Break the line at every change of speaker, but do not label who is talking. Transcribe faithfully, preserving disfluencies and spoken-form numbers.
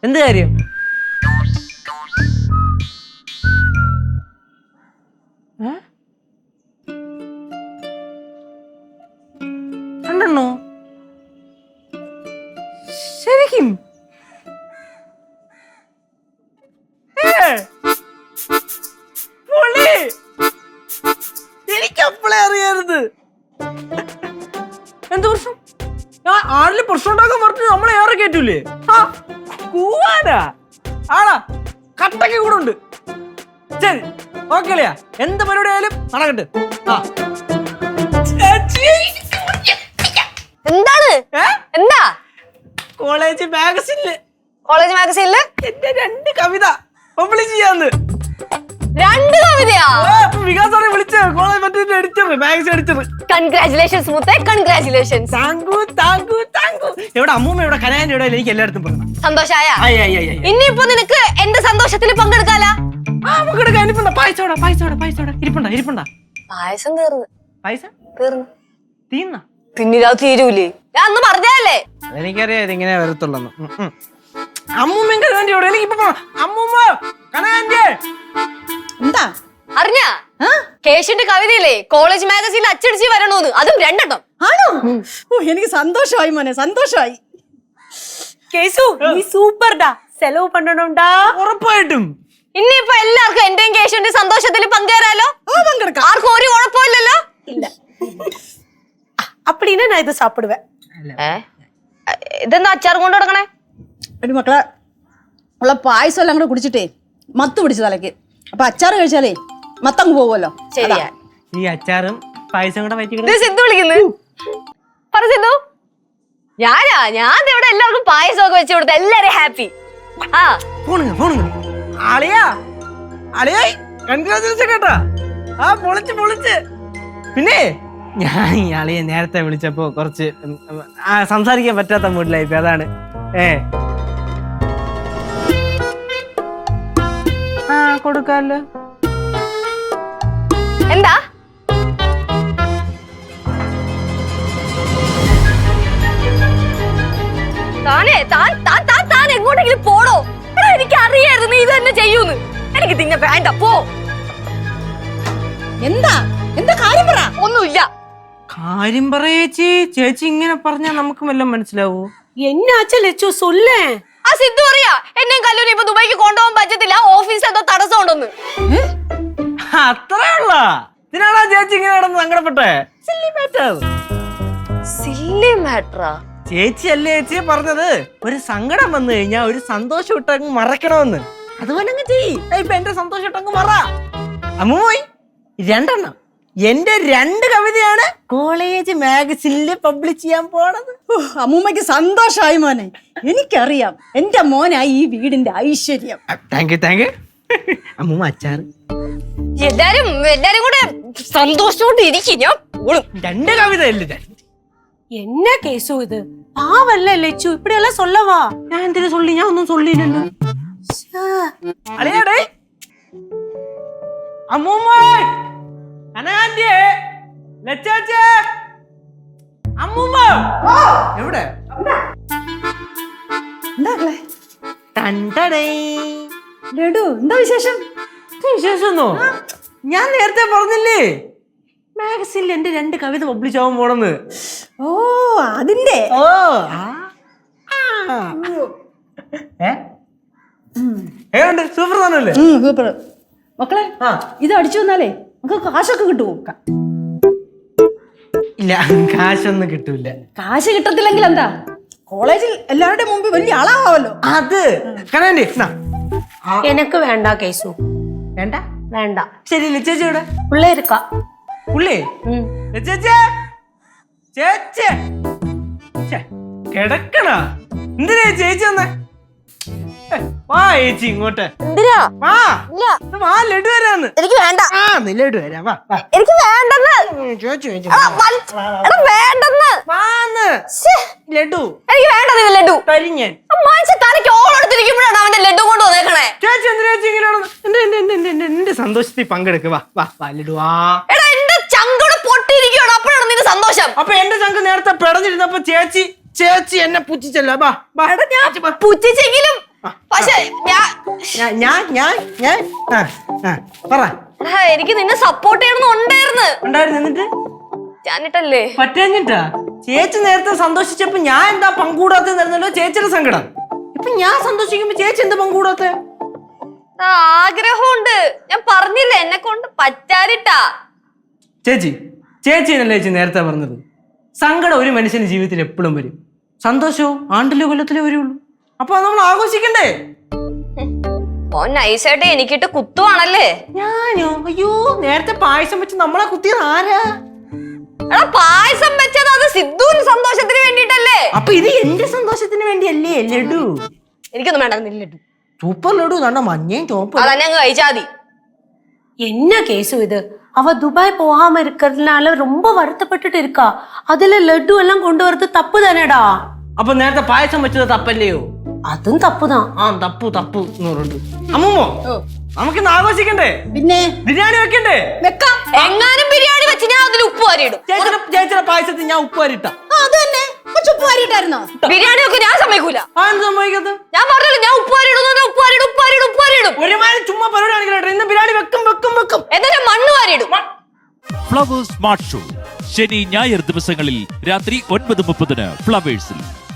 എന്ത് കാര്യം? രണ്ടെണ്ണോ? ശരിക്കും? എനിക്കപ്പോളെ അറിയരുത്. എന്ത് പ്രശ്നം? ഞാൻ ആരില് പ്രശ്നം ഉണ്ടാക്കാൻ പറഞ്ഞു നമ്മളെ ഏറെ കേറ്റൂലേ? കൂവാനാ ആടാ കട്ടക്ക് കൂടെ ഉണ്ട്. ശരി ഓക്കെ അല്ലയാ, എന്ത് പരിപാടി ആയാലും നടക്കട്ടെ.
എന്താണ്? എന്താ?
കോളേജ് മാഗസിനില്
കോളേജ് മാഗസീനില്
എന്റെ രണ്ട് കവിത പബ്ലിഷ് ചെയ്യാന്ന്.
രണ്ട് കവിതയാ?
വികാസാറെ വിളിച്ച കോളേജ് മറ്റേ എഡിറ്റർ, മാഗസിൻ എഡിറ്റർ.
കൺഗ്രാറ്റുലേഷൻസ് മുത്തേ, കൺഗ്രാറ്റുലേഷൻസ്.
Thank you thank you thank you. എവിടെ അമ്മൂമ്മ, എവിടെ കനാന്റെ, എവിടെ? എനിക്ക് എല്ലായിടത്തും പറഞ്ഞു.
സന്തോഷായ? ഇനിയിപ്പോ നിനക്ക് എന്റെ സന്തോഷത്തിൽ പങ്കെടുക്കാലാ?
ആ പങ്കെടുക്കാൻ. ഇരിപ്പുണ്ടാ പായസോടാ പായസോടാ പായസോടാ ഇരിപ്പുണ്ടാ ഇരിപ്പുണ്ടാ
പായസം തീർന്നു.
പായസം
തീർന്നു?
തീർന്ന
പിന്നിലാ തീരൂലേ? ഞാൻ അന്ന് പറഞ്ഞല്ലേ?
എനിക്കറിയാം ഇതിങ്ങനെ വരത്തുള്ളൂ. അമ്മൂമ്മ കനാന്റെ എവിടെ? എനിക്കിപ്പോ അമ്മൂമ്മ കനാന്റെ
എന്താ
അറിഞ്ഞാ? കേശുന്റെ കവിതയില്ലേ കോളേജ് മാഗസീനിൽ അച്ചടിച്ച് വരണോന്ന്, അതും രണ്ടെണ്ണം.
ആണോ? ഓ എനിക്ക് സന്തോഷമായി മോനെ, സന്തോഷമായി.
കേസു നീ സൂപ്പർഡാ, സെലവ് പണ്ടണോണ്ടാ.
ഉറപ്പായിട്ടും.
ഇനിയിപ്പോ എല്ലാവർക്കും എന്റെയും കേശുന്റെ സന്തോഷത്തിൽ പങ്കുചേരാലോ?
പങ്കെടുക്കാം.
ആർക്കും ഒരു കുഴപ്പമില്ലല്ലോ?
இல்ல அப்படின்னா நான் இதை சாப்பிடுவேன்.
ഇതെന്താ അച്ചാർ കൊണ്ട് കൊടുക്കണേ?
ഒരു മക്കളെ ഉള്ള പായസം എല്ലാം കൂടെ കുടിച്ചിട്ടേ മത്ത് പിടിച്ചു തലക്ക്. അപ്പൊ അച്ചാറ് കഴിച്ചാലേ മത്തങ്ങ് പോകുമല്ലോ.
ശരിയാ.
ഈ അച്ചാറും പായസം കൂടെ പറ്റി
സിദ്ധു വിളിക്കുന്നു. പറ സിദ്ധു. ഞാനാ ഞാൻ ഇവിടെ എല്ലാവർക്കും പായസം ഒക്കെ വെച്ച് കൊടുത്ത എല്ലാരും ഹാപ്പി. ആ
ഫോണുങ്ങ ഫോണുങ്ങ ആളിയാ ആളിയാ കൺഗ്രാജുലേഷൻ കേട്ടാ. ആ പൊളിച്ച് പൊളിച്ച്. പിന്നെ ഞാൻ ഈ ആളിയെ നേരത്തെ വിളിച്ചപ്പോ കുറച്ച് സംസാരിക്കാൻ പറ്റാത്ത മൂഡിലായിപ്പോ, അതാണ്. ഏ ആ കൊടുക്കാല്ലോ.
എന്താ? താനേ താൻ താൻ താൻ താൻ എങ്ങോട്ടെങ്കിലും പോടോ. എനിക്ക് അറിയായിരുന്നു നീ ഇത് തന്നെ ചെയ്യൂന്ന്. എനിക്ക് തിന്നെ വേണ്ട, പോ.
എന്താ എന്താ കാര്യം പറ.
ഒന്നുമില്ല.
കാര്യം പറയേച്ചി. ചേച്ചി ഇങ്ങനെ പറഞ്ഞാൽ നമുക്ക് വല്ലതും മനസ്സിലാവൂ?
என்னாச்சு லெச்சு சொல்லு.
ആ സിദ്ധു അറിയാ എന്നെയും കല്ലൂരി ഇപ്പൊ ദുബായിക്ക് കൊണ്ടുപോകാൻ പറ്റത്തില്ല, ഓഫീസ് എന്തോ തടസ്സം ഉണ്ടെന്ന്.
അത്രേ ഉള്ള ഇതിനാണോ ചേച്ചി ഇങ്ങനെ കിടന്ന് സങ്കടപ്പെട്ടെ? Silly matter.
സില്ലി മാറ്ററാ?
ചേച്ചി അല്ലേ ചേച്ചിയെ പറഞ്ഞത് ഒരു സങ്കടം വന്നു കഴിഞ്ഞാൽ ഒരു സന്തോഷം ഇട്ടങ്ങ് മറക്കണമെന്ന്. അതുപോലെ അങ്ങ് ചെയ്യ്. ഇപ്പൊ എന്റെ സന്തോഷം ഇട്ടങ്ങ് മറ. അമ്മൂയി രണ്ടെണ്ണം എന്റെ രണ്ട് കവിതയാണ് കോളേജ് മാഗസിനില് പബ്ലിഷ് ചെയ്യാൻ പോണത്.
അമ്മൂമ്മക്ക് സന്തോഷമായി മോനെ. എനിക്കറിയാം എന്റെ മോനായി ഈ വീടിന്റെ ഐശ്വര്യം.
Thank you thank you. അമ്മൂമ്മ അച്ചാറ്.
എല്ലാരും എല്ലാരും കൂടെ സന്തോഷത്തോടെ ഇരിക്കും. ഞാൻ പോളും.
രണ്ട് കവിത അല്ലേ?
என்ன கேசு இது? பாவல்ல லெச்சு, இப்படி எல்லாம் சொல்லவா?
ഞാൻ എന്തിനു சொல்லி? ഞാൻ ഒന്നും சொல்லிല്ലല്ലോ. അളിയാടേ അമ്മൂമ്മ അനാന്റെ ലച്ചാച്ചേ അമ്മൂമ്മ എവിടെ?
എന്താ
തണ്ടടേ
ലഡു, എന്താ വിശേഷം?
വിശേഷമൊന്നോ? ഞാൻ നേരത്തെ പറഞ്ഞില്ലേ മാഗസിനിൽ എന്റെ രണ്ട് കവിത പബ്ലിഷ് ആവാൻ പോണെന്ന്.
ഓ അതിന്റെ.
ഓ ഏണ്ട് സൂപ്പർ താനല്ലേ?
സൂപ്പർ. മക്കളെ ഇത് അടിച്ചു വന്നാലേ നമുക്ക് കാശൊക്കെ കിട്ടുമോ?
ഇല്ല, കാശൊന്നും കിട്ടൂല.
കാശ് കിട്ടത്തില്ലെങ്കിൽ എന്താ, കോളേജിൽ എല്ലാവരുടെ മുമ്പിൽ വലിയ ആളാവാമല്ലോ.
അത് കനാൻഡി
எனக்கு வேண்டாம் கேசு.
വേണ്ട
வேண்டாம்.
ശരി. ചേച്ചി ഇവിടെ
உள்ள இருக்கா?
പുള്ളി ചേച്ചി ചേച്ചി കിടക്കണ എന്തിനാ ചേച്ചി വന്നേ? വാ ചേച്ചി ഇങ്ങോട്ട്.
എന്തിനാ?
വാ വാ ലഡു വരാന്ന്.
എനിക്ക് വേണ്ട.
ആ നീ ലഡു വരാ. വാ
എനിക്ക് വേണ്ടെന്ന്.
ചോദിച്ചു ചോദിച്ചു
വേണ്ടെന്ന്.
വാന്ന് ലഡു
എനിക്ക് വേണ്ടത് ലഡു.
കരിഞ്ഞൻ
മനുഷ്യ തലയ്ക്ക് ഓളെടുത്തിരിക്കുമ്പോഴാണ് അവന്റെ ലഡു കൊണ്ട് വന്നേക്കണേ.
ചേച്ചി എന്തിനാ ചേച്ചി ഇങ്ങനെയാണ്? എന്റെ എന്റെ എന്റെ എന്റെ എന്റെ സന്തോഷത്തിൽ പങ്കെടുക്കുക. വാ വാ വാ ലഡു വാ.
എടാ എന്റെ ചങ്കോട് പൊട്ടിയിരിക്കുകയാണ്, അപ്പോഴാണ് നിന്റെ സന്തോഷം.
അപ്പൊ എന്റെ ചങ്ക് നേരത്തെ പിടഞ്ഞിരുന്നപ്പോ ചേച്ചി ചേച്ചി എന്നെ പുച്ഛിച്ചല്ലോ. വാ വാ.
പുച്ഛിച്ചെങ്കിലും പക്ഷെ ഞാൻ
ഞാൻ ഞാൻ ഞാൻ ഞാൻ ആ ആ പറ
എടാ, എനിക്ക് നിന്നെ സപ്പോർട്ട് ചെയ്യണമെന്ന് ഉണ്ടായിരുന്നു
ഉണ്ടായിരുന്നു എന്നിട്ട്
ഞാനിട്ടല്ലേ
പറ്റാഞ്ഞിട്ടാ ചേച്ചി നേരത്തെ സന്തോഷിച്ചപ്പോ ഞാൻ എന്താ പങ്കൂടാത്തല്ലോ ചേച്ചിയുടെ സങ്കടം ഇപ്പൊ ഞാൻ സന്തോഷിക്കുമ്പോ ചേച്ചി എന്താ പങ്കൂടാത്ത
ആഗ്രഹമുണ്ട് ഞാൻ പറഞ്ഞില്ലേ എന്നെ കൊണ്ട് പറ്റാതിട്ടാ
ചേച്ചി ചേച്ചിനല്ലേ ചേച്ചി നേരത്തെ പറഞ്ഞത് സങ്കടം ഒരു മനുഷ്യന്റെ ജീവിതത്തിൽ എപ്പോഴും വരും സന്തോഷവും ആണ്ടിലോ കൊല്ലത്തിലോ വരുള്ളൂ അപ്പൊ അത് നമ്മൾ ആഘോഷിക്കണ്ടേ
ഓ നൈസായിട്ട് എനിക്കിട്ട് കുത്തുവാണല്ലേ
ഞാനോ അയ്യോ നേരത്തെ പായസം വെച്ച് നമ്മളെ കുത്തിയത് ആരാ
എടാ പായസം വെച്ചത് അത് സിദ്ധുവിന് സന്തോഷത്തിന് വേണ്ടിട്ടല്ലേ
അപ്പൊ ഇത് എന്റെ സന്തോഷത്തിന് വേണ്ടിയല്ലേ ലഡു
എനിക്കൊന്നും വേണ്ട ലഡു
സൂപ്പർ ലഡു കണ്ട മഞ്ഞയും ചോപ്പും
അതന്നെ അങ്ങ് കഴിച്ചാതി
என்ன கேசு இது அவ துபாய் போகாம இருக்கிறதுனால ரொம்ப வருத்தப்பட்டுட்டு இருக்கா அதுல லட்டு எல்லாம் கொண்டு வரது தப்பு தானேடா
അപ്പൊ നേരത്തെ പായസം വെച്ചത് തപ്പല്ലയോ
அதுவும் தப்புதான்
ആ തപ്പു തപ്പു എന്ന് പറഞ്ഞിട്ട് അമ്മൂമ്മോ നമുക്കിന്ന് ആഘോഷിക്കണ്ടേ
പിന്നെ
ബിരിയാണി വെക്കണ്ടേ
വെക്കാം.
എങ്ങാനും ബിരിയാണി വെച്ച് ഞാൻ അതിൽ ഉപ്പ് വാരിയിടും
ചേച്ചിയുടെ ചേച്ചിയുടെ പായസത്തിൽ ഞാൻ ഉപ്പ് വരിട്ട
ആ, അത് തന്നെ കുറച്ച് ഉപ്പ് വാരിയിട്ടായിരുന്നോ?
ബിരിയാണി ഒക്കെ ഞാൻ സമ്മതിക്കൂല
ആ എന്ത് സംഭവിക്കത്ത്
ഞാൻ പറഞ്ഞല്ലോ ഞാൻ ഉപ്പ് വാരിയിടും ഉപ്പ് വാരിയിടും ഉപ്പ് വാരിയിടും ഉപ്പ് വാരിയിടും
ഒരുമാതിരി ചുമ്മാ പരിപാടി കാണിക്കട്ടെ ഇന്ന് ബിരിയാണി വെക്കും വെക്കും വെക്കും
എന്നിട്ട് മണ്ണ് വാരിയിടും
ഫ്ലവേഴ്സ് സ്മാർട്ട് ഷോ ശനി ഞായർ ദിവസങ്ങളിൽ രാത്രി ഒൻപത് മുപ്പതിന് ഫ്ലവേഴ്സിൽ.